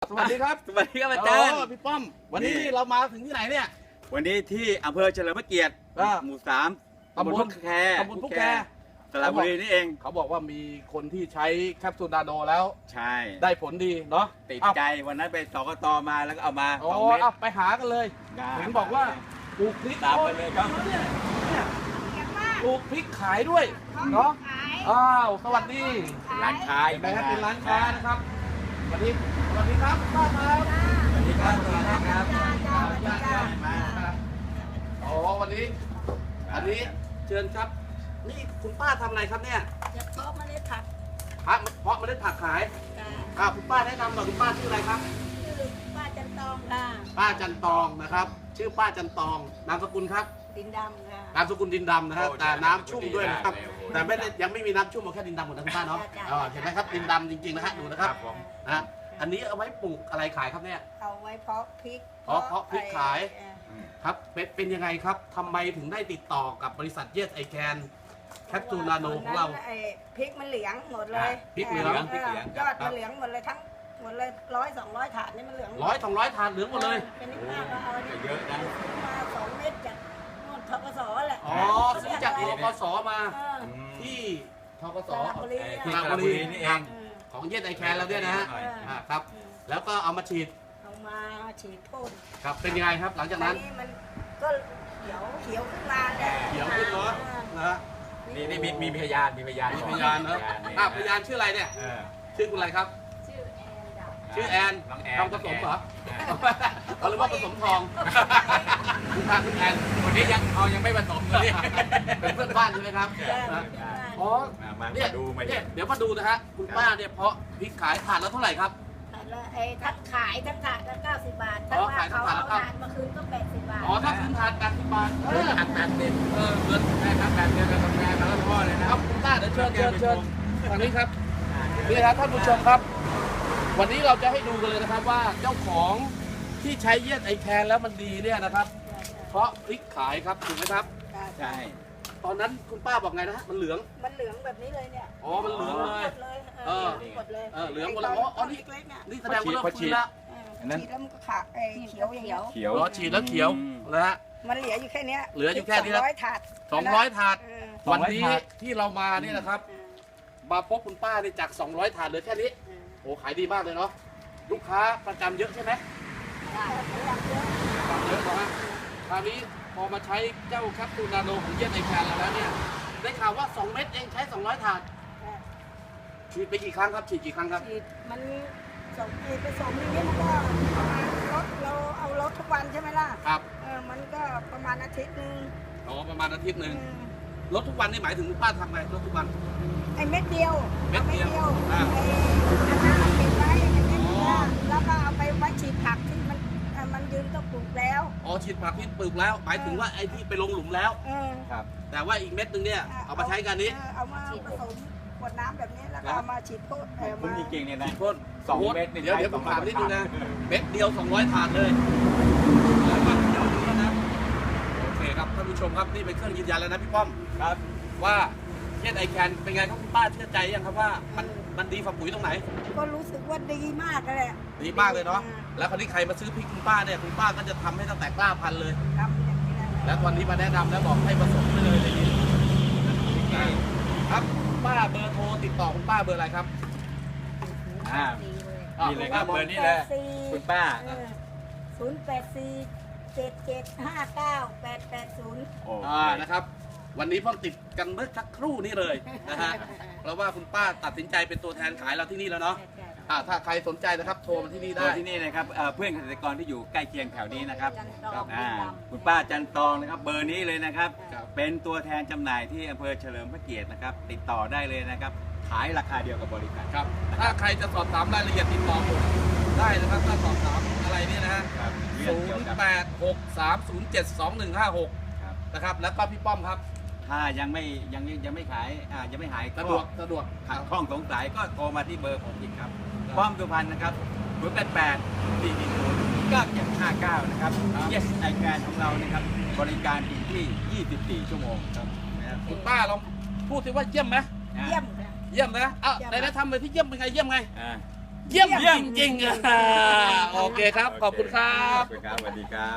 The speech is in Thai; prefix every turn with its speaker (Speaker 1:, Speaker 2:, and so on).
Speaker 1: สวัสดีครับ
Speaker 2: สวัสดีครับอาจารย์
Speaker 1: พี่ป้อมวันนี้เรามาถึงที่ไหนเนี่ย
Speaker 2: วันนี้ที่อำเภอเฉลิมพระเกียรติหมู่ 3 ตำบลพุกแค สระบุรีนี่เอง
Speaker 1: เขาบอกว่ามีคนที่ใช้แคปซูลนาโนแล้ว
Speaker 2: ใช่
Speaker 1: ได้ผลดีเนาะ
Speaker 2: ติดใจวันนั้นไปสกตมาแล้วก็เอามา
Speaker 1: อ๋อ
Speaker 2: 2 เม็ด
Speaker 1: เอาไปหากันเลยเห็นบอกว่าปลูกพริก
Speaker 2: ตามไปเลยครับ
Speaker 1: เนี่ยปลูกพริกขายด้วยเนาะอ้าวสวัสดี
Speaker 2: ร้านค้า
Speaker 1: เห็นไหมครับเป็นร้านค้านะครับสวัสดีครับป้าครับ
Speaker 2: สวัสดีครับสวัสดีครับ
Speaker 1: อ๋อวันนี้อันนี้เชิญครับนี่คุณป้าทำอะไรครับเนี่ย
Speaker 3: จะเพาะเมล็ดผัก
Speaker 1: เพาะเมล็ดผักขาย
Speaker 3: ค่ะ
Speaker 1: คุณป้าแนะนำหน่อยคุณป้าชื่ออะไรครับ
Speaker 3: ชื่อป้าจันตองค่ะ
Speaker 1: ป้าจันตองนะครับ ชื่อป้าจันตองนามสกุลครับ
Speaker 3: ดินดำค่ะ
Speaker 1: นามสกุลดินดำนะครับแต่น้ำชุ่มด้วยนะครับแต่ไม่ได้ยังไม่มีน้ำชุ่มเอาแค่ดินดำหมดนะคุณป้าเนาะเห็นไหมครับดินดำจริงๆนะฮะดูนะครับนะอันนี้เอาไว้ปลูกอะไรขายครับเนี่ย
Speaker 3: เอาไว้เพาะพริก
Speaker 1: เพาะพริกขาย ครับเป็นยังไงครับทำไมถึงได้ติดต่อกับบริษัทเยสไอแคนแคปซูลนาโนของเรา
Speaker 3: ไอ้พริกมันเหลืองหมดเลย
Speaker 1: พริกเหลือง
Speaker 3: ยอดมันเหลืองหมดเลยทั้งหมดเลย100-200 ถาดนี่มันเหลือง
Speaker 1: 200 ถาดเหลืองหมดเลย
Speaker 3: เป็นนี่ป้าก็เอาอันนี้
Speaker 2: เยอะนะ
Speaker 3: มา2 เม็ดจากนู่นทกสแหละ
Speaker 1: อ๋อซื้อจากทกสมา
Speaker 3: เออ
Speaker 1: ที่ทกส
Speaker 3: สระบุรี
Speaker 2: ที่
Speaker 1: ส
Speaker 2: ส
Speaker 1: ระ
Speaker 2: ระ
Speaker 1: บุ
Speaker 2: บุ
Speaker 1: รี
Speaker 2: รีนี่เอง
Speaker 1: ของเยสไอแคนเราเนี่ยนะฮะครับแล้วก็เอามาฉีด
Speaker 3: เอามาฉีดพ่น
Speaker 1: ครับเป็นยังไงครับหลังจากนั้น
Speaker 3: มันก็เขียวขึ้นมาเนี่ย
Speaker 1: เขียวขึ้นเนาะนะฮะ
Speaker 2: นี่มีพยานมีพยาน
Speaker 1: มีพยานเนอะพยานชื่ออะไรเนี่ย
Speaker 2: เออ
Speaker 1: ชื่อคุณอะไรครับ
Speaker 3: ชื่อแอนดา
Speaker 1: ชื่อแอน
Speaker 2: น้องแอน
Speaker 1: ทำผสมเหรอเขาเรียกว่าผสมทองคุณแอน
Speaker 2: วันนี้ยังไม่ผสมเลย
Speaker 1: เป็นเพื่อนบ้านใช่ไหมครับอ๋อ
Speaker 2: มา
Speaker 1: เนี่ย
Speaker 2: ดูมา
Speaker 1: เนี่ยเดี๋ยวมาดูนะฮะคุณป้าเนี่ยเพาะพริกขายถาดละเท่าไหร่ครับ
Speaker 3: ไอ้ทัดขายทั้งถาดละ90 บาท
Speaker 1: อ๋
Speaker 3: ถ้า
Speaker 1: อ
Speaker 3: ว่า
Speaker 1: ขายทั้
Speaker 3: เขา
Speaker 1: งถาด
Speaker 3: เอา
Speaker 1: ละ
Speaker 3: ถาดมาคืนก็80 บาท
Speaker 1: อ๋อถ้าคืนถาด80 บาท
Speaker 2: หักแบบเด็ด
Speaker 1: เงิน
Speaker 2: ได้ครับแบบเดียวกับแม่แล้วพ่อเลยนะ
Speaker 1: ครับคุณป้าเดี๋ยวเชิญทางนี้ครับนี่ครับท่านผู้ชมครับ วันนี้เราจะให้ดูกันเลยนะครับว่าเจ้าของที่ใช้เยสไอแคนแล้วมันดีเนี่ยนะครับ เพราะพริกขายครับถูกไหมครับ
Speaker 2: ใช่
Speaker 1: ตอนนั้นคุณป้าบอกไงนะฮะมันเหลือง
Speaker 3: มันเหลืองแบบนี้เลยเนี่ย
Speaker 1: อ๋อมันเหลืองเลย
Speaker 3: หมดเลย
Speaker 1: เออ
Speaker 3: หมดเลย
Speaker 1: เหลืองหมดเลยอ๋อนี่
Speaker 3: เล็กๆเนี่ย
Speaker 1: นี่แสดงว่าเริ่มฟื้นแล้ว
Speaker 3: ฉีดแล้วมันก็ขาดเขียวอย่างเงี้ย
Speaker 2: เขียว
Speaker 1: รอฉีดแล้วเขียวนะฮะ
Speaker 3: มันเหลืออยู่แค่เนี้ย
Speaker 1: เหลืออยู่แค่นี้แล้ว
Speaker 3: 200 ถาด
Speaker 1: 200 ถาด
Speaker 3: เออ
Speaker 1: วันนี้ที่เรามานี่นะครับ มาพบคุณป้าเนี่ยจาก 200 ถาดเหลือแค่นี้ โอ้ขายดีมากเลยเนาะ ลูกค้าประจำเยอะใช่ไหม
Speaker 3: ได้เยอะ
Speaker 1: เยอะนะฮะคราวนี้พอมาใช้เจ้าแคปซูลนาโนของเยสไอแคนแล้วเนี่ย ได้ข่าวว่า 2 เม็ดเองใช้ 200 ถาด ฉีดไปกี่ครั้งครับ ฉีดกี่ครั้งครับ
Speaker 3: ฉีดมันส่งไปส่งอย่างเงี้ยมันก็ประมาณรถเราเอารถทุกวันใช่ไหมล่ะ
Speaker 1: ครับ
Speaker 3: มันก็ประมาณอาทิตย์นึง
Speaker 1: อ๋อ ประมาณอาทิตย์หนึ่งรถทุกวันนี่หมายถึงคุณป้าทำไงรถทุกวัน
Speaker 3: ไอ้เม็ดเดียว
Speaker 1: เม็ดเดียว
Speaker 3: ไอ้อันนั้นเก็บไว้ไอ้เม็ดเดียวแล้วก็เอาไปไว้ฉีดผักที่มันยืนต้องปลูกแล้ว
Speaker 1: อ๋อ ฉีดผักที่ปลูกแล้ว หมายถึงว่าไอ้ที่ไปลงหลุมแล้ว
Speaker 2: ครับ
Speaker 1: แต่ว่าอีกเม็ดหนึงเนี่ย เอามาใช้กันนี้
Speaker 3: เอามาผสมขวดน้ำแบบนี้แล้วก็เอามาฉีดพ่น
Speaker 2: คุณจริงๆเนี่ยนะ
Speaker 1: พ่น
Speaker 2: 2 เม็ดนี่
Speaker 1: เดี๋ยว
Speaker 2: ใช้
Speaker 1: ผมถามนิด
Speaker 2: 200
Speaker 1: นึงนะ เม็ดเดียว 200 ถาดเลยแล้วก็เดี๋ยวดูแล้วนะ โอเคครับท่านผู้ชมครับนี่เป็นเครื่องยืนยันแล้วนะพี่ป้อม
Speaker 2: ครับ
Speaker 1: ว่าเยสไอแคนเป็นไงครับคุณป้าเชื่อใจยังครับว่ามันดีฝ่าปุ๋ยตรงไหน
Speaker 3: ก็รู้สึกว่าดีมากเลย
Speaker 1: ดีมากเลยเนาะ แล้วคราวนี้ใครมาซื้อพริกคุณป้าเนี่ยคุณป้าก็จะทำให้ตั้งแต่กล้าพันธุ์เลย
Speaker 3: ทำอย่างนี้นะ
Speaker 1: แล้ววันนี้มาแนะนำแล้วบอกให้ผสมไปเลยในนี้ครับป้าเบอร์โทรติดต่อคุณป้าเบอร์อะไรครับ
Speaker 2: อ่า
Speaker 3: ดีเลย
Speaker 2: นี่เลยครับเบอร์นี้เลยคุณป้า
Speaker 3: 084-7759-880
Speaker 2: โอ้
Speaker 1: นะครับ วันนี้เพิ่งติดกันเมื่อสักครู่นี้เลยนะฮะ เพราะว่าคุณป้าตัดสินใจเป็นตัวแทนขายเราที่นี่แล้วเนาะ ถ้าใครสนใจนะครับโทรมาที่นี่
Speaker 2: โด
Speaker 1: ได้
Speaker 2: ยที่นี่นะครับเพื่อนเกษตรกรที่อยู่ใกล้เคียงแถวนี้นะครับ
Speaker 3: จันทอง
Speaker 2: คุณป้าจันตองนะครับเบอร์นี้เลยนะครับ
Speaker 1: ครับ
Speaker 2: เป็นตัวแทนจำหน่ายที่อำเภอเฉลิมพระเกียรตินะครับ ติดต่อได้เลยนะครับ ขายราคาเดียวกับบริการ
Speaker 1: ครับ ถ้าใครจะสอบถามรายละเอียดติดต่อผมได้นะครับ ถ้าสอบถามอะไรเนี่ยนะฮะ
Speaker 2: ครับเรื่องเกี่ยวกับ
Speaker 1: 0863072156
Speaker 2: ครับ
Speaker 1: นะครับ แล้วก็พี่ป้อมครับ
Speaker 2: ถ้ายังไม่ขายยังไม่หาย
Speaker 1: สะดวก
Speaker 2: ขัดข้องสงสัยก็โทรมาที่เบอร์ผมอีกครับป้อมสุพรรณนะครับ088-440-9759นะครับ Yes I Can ของเรานะครับบริการถึงที่ 24 ชั่วโมงครับนะครับ
Speaker 1: คุณป้าลองพูดสิว่าเยี่ยมไหม
Speaker 3: เยี่ยมค่ะ
Speaker 1: เยี่ยมนะได้ทำเลยที่เยี่ยมเป็นไงเยี่ยมไง
Speaker 2: อ่า
Speaker 1: เยี่ยมจริงๆโอเคครับ ขอบคุณครับ
Speaker 2: ขอบคุณครับสวัสดีครับ